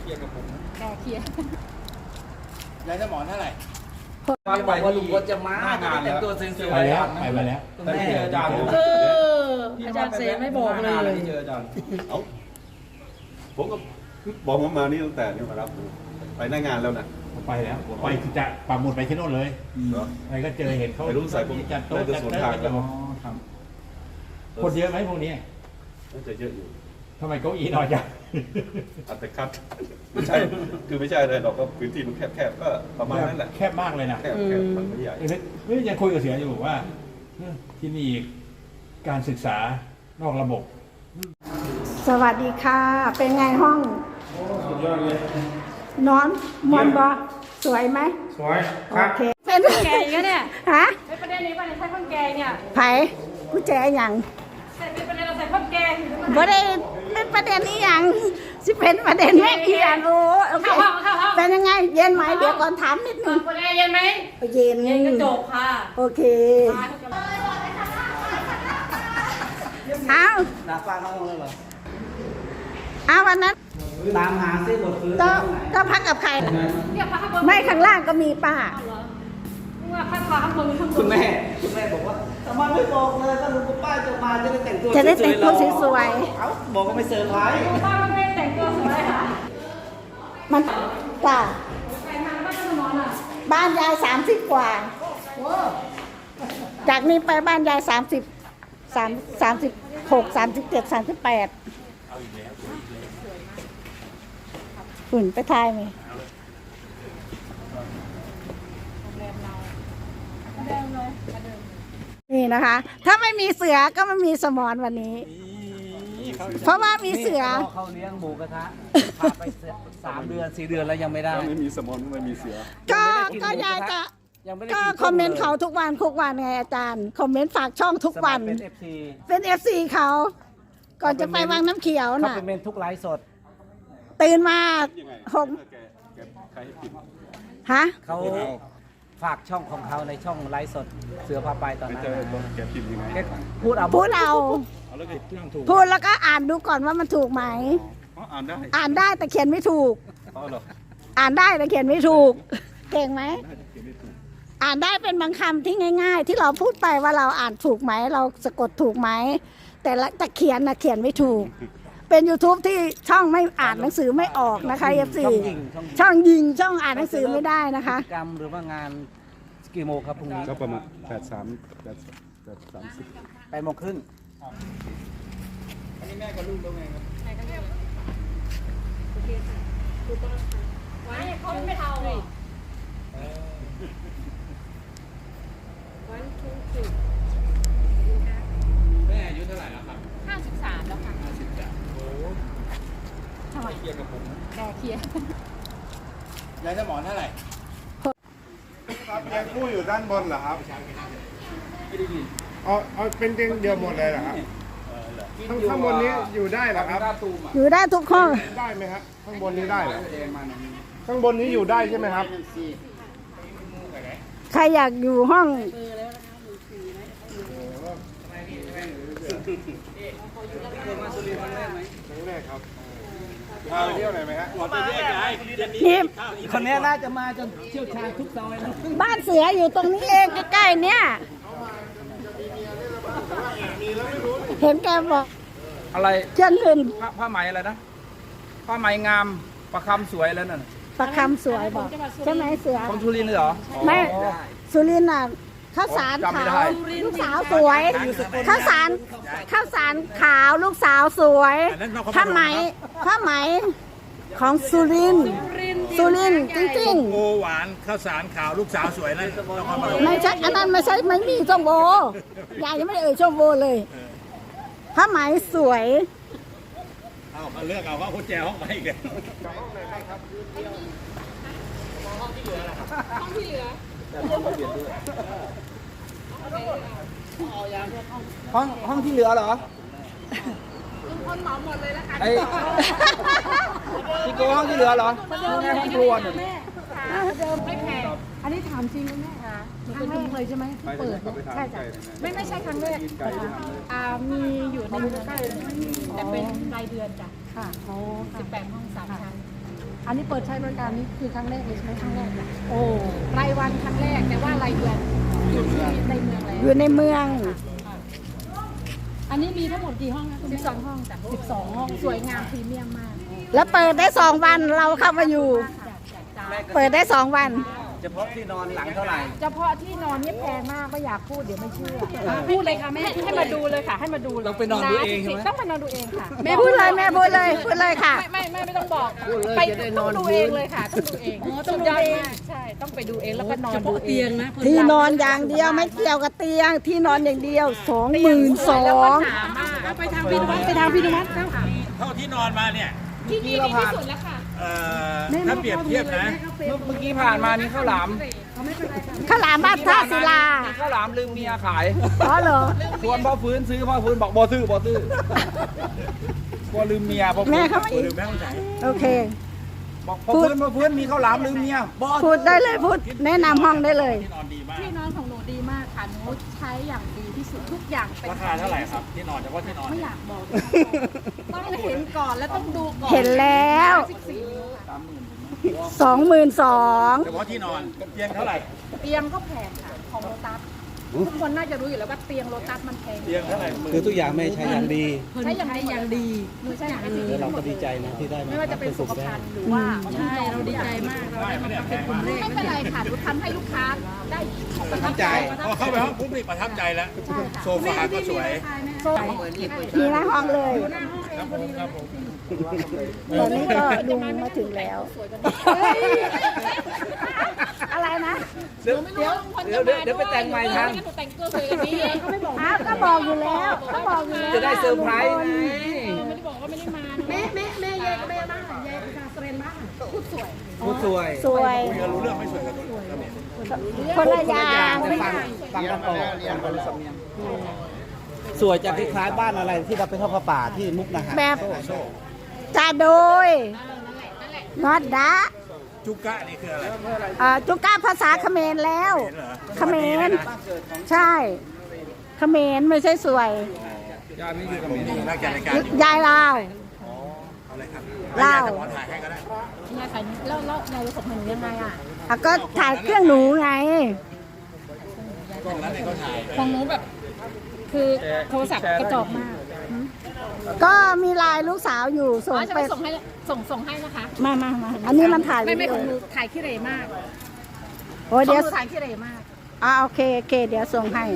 ลียร์กับผมแกเคลียร์ยายสมอนเท่าไหร่ฟังบอกว่าลุงพลจะมาแต่งตัวเซ็นเซอร์ไปแล้วไปแล้วแม่อาจารย์อาจารย์เสไม่บอกเลยเจออาจารย์ผมก็บอกผมมานี่ตั้งแต่นี่มารับไปหน้างานแล้วนะไปแล้วไปจะปักหมุดไปที่โน่นเลยไปก็เจอเห็นเขารู้ใส่ผมจัดโต๊ะจัดโต๊ะคนเยอะไหมพวกนี้น่าจะเยอะอยู่ทำไมเก้าอี้น้อยจังอัตคัดไม่ใช่คือไม่ใช่เลยเราก็พื้นที่มันแคบๆก็ประมาณนั้นแหละแคบมากเลยนะแคบมันไม่ใหญ่เฮ้ยยังคุยกับเสืออยู่บอกว่าที่นี่การศึกษานอกระบบสวัสดีค่ะเป็นไงห้องสุดยอดเลยนอนมอนบอสวยไหมสวยโอเคเป็นแกอีกเนี่ยฮะในประเด็นนี้ว่าใช้ข้าวแกงเนี่ยไผ่ผู้แจอย่างใส่เป็นประเด็นเราใส่ข้าวแกงบ่ได้เป็นประเด็นนี้อย่างสิเป็นประเด็นแม่อีอย่างโอ้โอเคเป็นยังไงเย็นไหมเดี๋ยวก่อนถามนิดนึงประเด็นเย็นไหมเย็นเย็นก็จบค่ะโอเคเอาหน้าฟ้าเขาเลยเหรอเอาวันนั้นตามหาเส้นบทฟื้นก็พักกับใครไม่ข้างล่างก็มีป้าว่าพักขาข้างบนคุณแม่บอกว่าทำไมไม่บอกเลยก็ลุงกับป้าจะมาจะได้แต่งตัวสวยๆเอ้าบอกก็ไม่เซอร์ไพรส์ป้าไม่ได้แต่งตัวสวยค่ะมันจ้าไปทางบ้านสมอนอ่ะบ้านยาย30 กว่าจากนี้ไปบ้านยาย36 37 38ฝุ่นไปทายไหมนี่นะคะ ถ้าไม่มีเสือก็ไม่มีสมอนวันนี้ เพราะว่ามีเสือเขาเลี้ยงหมูกระทะพาไป3 เดือน 4 เดือนแล้วยังไม่ได้ไม่มีสมอนไม่มีเสือก็ยายจะก็คอมเมนต์เขาทุกวันไงอาจารย์คอมเมนต์ฝากช่องทุกวันเป็น FC เขาก่อนจะไปวังน้ำเขียวน่ะเขาเป็นทุกไลฟ์สดตื่นมาฮะเขาฝากช่องของเขาในช่องไลฟ์สดเสือพาไปตอนนั้นพูดเอาพูดแล้วก็อ่านดูก่อนว่ามันถูกไหมอ่านได้แต่เขียนไม่ถูกอ่านได้แต่เขียนไม่ถูกเก่งไหมอ่านได้เป็นบางคำที่ง่ายๆที่เราพูดไปว่าเราอ่านถูกไหมเราสะกดถูกไหมแต่เขียนนะเขียนไม่ถูกเป็น YouTube ที่ช่องไม่อ่านหนังสือไม่ออกนะคะ FC ช่องยิงช่องอ่านหนังสือไม่ได้นะคะกรรมหรือว่างานกี่โมงครับพรุ่งนี้ก็ประมาณ8:30 8:30 อันนี้แม่กับลูกตรงไหนครับโอเคค่ะถูกต้องค่ะไว้เขาไม่เท่าเลยแม่อายุเท่าไหร่แล้วครับ 53แล้วค่ะ 53โอ้ทำไมเคลียร์กับผมแกเคลียร์ยายสมอนเท่าไหร่ครับเตียงคู่อยู่ด้านบนเหรอครับไม่ได้ยินเอาเป็นเตียงเดียวหมดเลยเหรอครับข้างบนนี้อยู่ได้เหรอครับอยู่ได้ทุกห้องได้ไหมครับข้างบนนี้ได้เหรอข้างบนนี้อยู่ได้ใช่ไหมครับใครอยากอยู่ห้องพาไปเที่ยวไหนไหมฮะนี่คนนี้น่าจะมาจนเชี่ยวชาญทุกซอยแล้วบ้านเสืออยู่ตรงนี้เองใกล้ๆเนี่ยเห็นแกบอกอะไรเชื่อเงินผ้าไหมอะไรนะผ้าไหมงามประคำสวยแล้วนั่นประคำสวยบอกใช่ไหมเสือของสุรินทร์เลยเหรอไม่สุรินทร์น่ะข้าวสารขาวลูกสาวสวยข้าวสารขาวลูกสาวสวยผ้าไหมของสุรินทร์จริงๆโอหวานข้าวสารขาวลูกสาวสวยนั่นไม่ใช่อันนั้นไม่ใช่ไม่มีช่องโบยายยังไม่ได้เอ่ยช่องโบเลยผ้าไหมสวยเอามาเลือกเอาว่าคุณแจห้องไปอีกเลยห้องที่เหลือห้องที่เหลือเหรอลุงพลเหมาหมดเลยแล้วกันพี่โก้ห้องที่เหลือเหรอห้องครัวเนี่ยไม่แพงอันนี้ถามจริงนะแม่ค่ะหนูเป็นลุงเลยใช่ไหมเปิดใช่จ้ะไม่ใช่ครั้งแรกมีอยู่ในเมืองแต่เป็นรายเดือนจ้ะค่ะ18 ห้อง 3 ชั้นอันนี้เปิดใช้บริการนี้คือครั้งแรกเลยใช่ไหมครั้งแรกเนี่ยโอ้รายวันครั้งแรกแต่ว่ารายเดือนอยู่ที่ในเมืองแล้วอยู่ในเมืองอันนี้มีทั้งหมดกี่ห้องนะ12 ห้องจ้ะ12 ห้องสวยงามพรีเมียมมากแล้วเปิดได้2 วันเราเข้ามาอยู่ เปิดได้2 วันเฉพาะที่นอนหลังเท่าไหร่เฉพาะที่นอนนี่แพงมากไม่อยากพูดเดี๋ยวไม่เชื่อพูดเลยค่ะแม่ให้มาดูเลยค่ะให้มาดูเลยต้องไปนอนดูเองใช่ไหมต้องไปนอนดูเองค่ะแม่พูดเลยแม่พูดเลยพูดเลยค่ะไม่ต้องบอกไปต้องดูเองเลยค่ะต้องดูเองต้องดูเองใช่ต้องไปดูเองแล้วก็นอนดูเองนะที่นอนอย่างเดียวไม่เกี่ยวกับเตียงที่นอนอย่างเดียว 22,000 ไปทางพี่นุวัฒน์ไปทางพี่นุวัฒน์เท่าที่นอนมาเนี่ยที่นี่ดีที่สุดแล้วค่ะถ้าเปรียบเทียบนะเมื่อกี้ผ่านมานี่ข้าวหลามข้าวหลามบ้านท่าศิลาข้าวหลามลืมเมียขายอ๋อเหรอชวนพ่อฟื้นซื้อพ่อฟื้นบอกบ่ซื้อกลัวลืมเมียพ่อฟื้นแม่เขาไม่หรือแม่ต้องใช้โอเคบอกพ่อฟื้นมีข้าวหลามลืมเมียบ่พูดได้เลยพูดแนะนำห้องได้เลยที่นอนดีมากที่นอนของหนูดีมากค่ะหนูใช้อย่างดีที่สุดทุกอย่างเป็นราคาเท่าไหร่ครับที่นอนเฉพาะที่นอนไม่อยากบอกต้องเห็นก่อนแล้วต้องดูก่อนเห็นแล้ว 14 นิ้วค่ะ 22,000 เฉพาะที่นอนเตียงเท่าไหร่เตียงก็แพงค่ะของโลตัสทุกคนน่าจะรู้อยู่แล้วว่าเตียงโลตัสมันแพงเตียงเท่าไหร่หมื่นคือทุกอย่างไม่ใช้อย่างดีใช้อย่างดีหนูใช้อย่างดีแล้วเราก็ดีใจนะที่ได้ไม่ว่าจะเป็นสุขภัณฑ์หรือว่าใช่เราดีใจมากเราได้มาเป็นกลุ่มแรกไม่เป็นไรค่ะหนูทำให้ลูกค้าได้ประทับใจพอเข้าไปห้องปุ๊บนี่ประทับใจแล้ว โซฟาก็สวยมีหน้าห้องเลยตอนนี้ก็ลุงมาถึงแล้ว อะไรนะเดี๋ยวไปแต่งใหม่ทันแต่งตัวสวยแบบนี้เองเขาไม่บอกอ้าวก็บอกอยู่แล้วก็บอกอยู่แล้วจะได้เซอร์ไพรส์ไงไม่ได้บอกว่าไม่ได้มาแม่ยายกับแม่บ้านยายกับเซเรนบ้านพูดสวยผู้สวยสวยคุยกันรู้เรื่องไม่สวยกับตัวนี้คนละอย่างแต่ฟังกันออกสวยจะคล้ายๆบ้านอะไรที่เราไปทอดผ้าป่าที่มุกนาหารแบบจาโดยนอดดะจุกะนี่คืออะไรจุก้าภาษาเขมรแล้วเขมรใช่เขมรไม่ใช่สวยยานี่คือกับเมียนี่นักจัดรายการอยู่ยายลาวเอาเลยครับเล่าให้ยายสมอนถ่ายให้ก็ได้ยายขายแล้วยายรู้สึกเหมือนยังไงอ่ะก็ถ่ายเครื่องหนูไงกล้องนั้นเนี่ยเขาถ่ายของหนูแบบ คือโทรศัพท์กระจอกมากก็มีไลายลูกสาวอยู่ส่งจะไปไปส่งให้นะคะมาอันนี้มันถ่ายไม่ของหนูถ่ายขี้เหร่มากโอ้ยของเดี๋ยวหนูถ่ายขี้เหร่มากโอเคเดี๋ยวส่งให้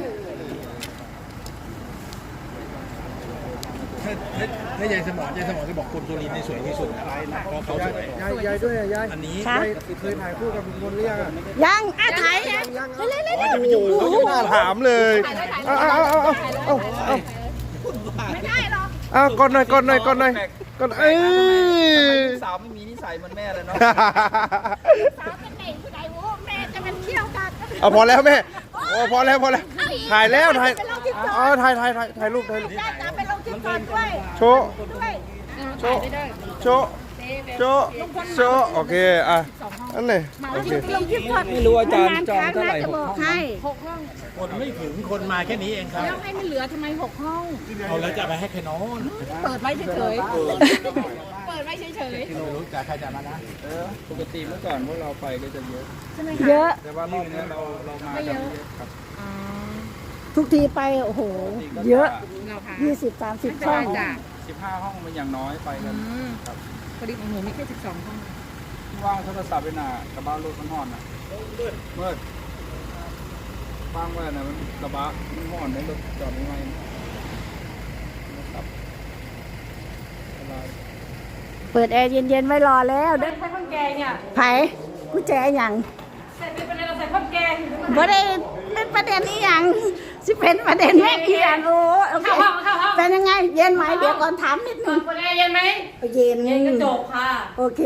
ถ้ายายสมอนจะบอกคนสุรินทร์นี่สวยที่สุดนะเพราะเขาสวยยายด้วยยายอันนี้ค่ะเคยถ่ายคู่กับลุงพลหรือยังอะยังถ่ายยังเร็วว่าจะไปอยู่เขาจะไปอยู่ถามเลยถ่ายเลยถ่ายเลเอายไม่ได้หรอกเอาก่อนหน่อยก่อนเอ้ยลูกสาวไม่มีนิสัยเหมือนแม่เลยเนาะสาวเป็นเด็กผู้ใดโว้แม่จะเป็นเที่ยวกันเอาพอแล้วแม่โอ้พอแล้วถ่ายแล้วถ่ายรูปจะไปลงทิกตอกด้วยโชว์โชว์โอเคอ่ะอันไหนโอเคลงทิกตอกไม่รู้อาจารย์จองเท่าไหร่จะบอกให้ 6 ห้องคนไม่ถึงคนมาแค่นี้เองครับแล้วให้มันเหลือทำไม6 ห้องเอาแล้วจะไปให้ใครนอนเปิดไว้เฉยๆเปิดไว้เฉยไม่รู้จะใครจะมานะปกติเมื่อก่อนพวกเราไปก็จะเยอะๆใช่ไหมเยคะอะแต่ว่ารอบนี้เรามากันเยอะครับทุกทีไปโอ้โห เยอะเราค่ะ 20-30 ช่องจ้ะ 15 ห้องมันอย่างน้อยไปกันครับพอดีของหนูมีแค่12 ห้องว่างโทรศัพท์ไปหน่ะกระบะรถมันห่อนนะเมื่อว่างไว้นะมันกระบะมันห่อนในรถจอดไม่ไหวนะครับอะไรเปิดแอร์เย็นๆไว้รอแล้วเด้อใส่ข้าวแกงเนี่ยไผกูแจหยังใส่เป็นอะไรเราใส่ข้าวแกงบ่ได้เป็นประเด็นนี้ยังสิเป็นประเด็นแม่เอียนโอ้โอเคเป็นยังไง เย็นไหมเดี๋ยวก่อนถามนิดนึงคนแอร์เย็นไหมเย็นเย็นก็จบค่ะโอเค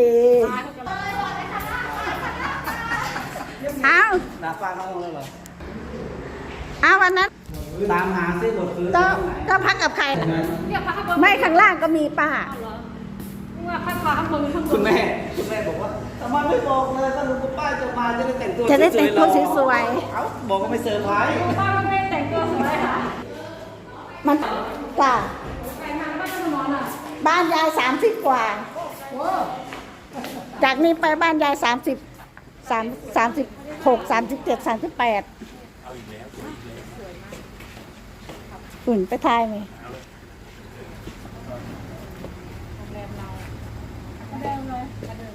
เอาหนาฟ้าน้องเลยเหรอเอาวันนั้นตามหาซิบทคือก็พักกับใครเนี่ยพักข้างบนไม่ข้างล่างก็มีป้าว่าพักข้างบนข้างบนคุณแม่บอกว่าทำไมไม่บอกเลยถ้าลุงกับป้าจะมาจะได้แต่งตัวจะได้แต่งตัวสวยๆเอ้าบอกว่าไม่เซอร์ไพรส์ป้าไม่ได้แต่งตัวสวยค่ะๆมันจ้ะแต่งงานบ้านจะนอนอ่ะบ้านยาย30 กว่าโอ้จากนี้ไปบ้านยาย36 37 38หุ่นไปทายไหมเดิมเลย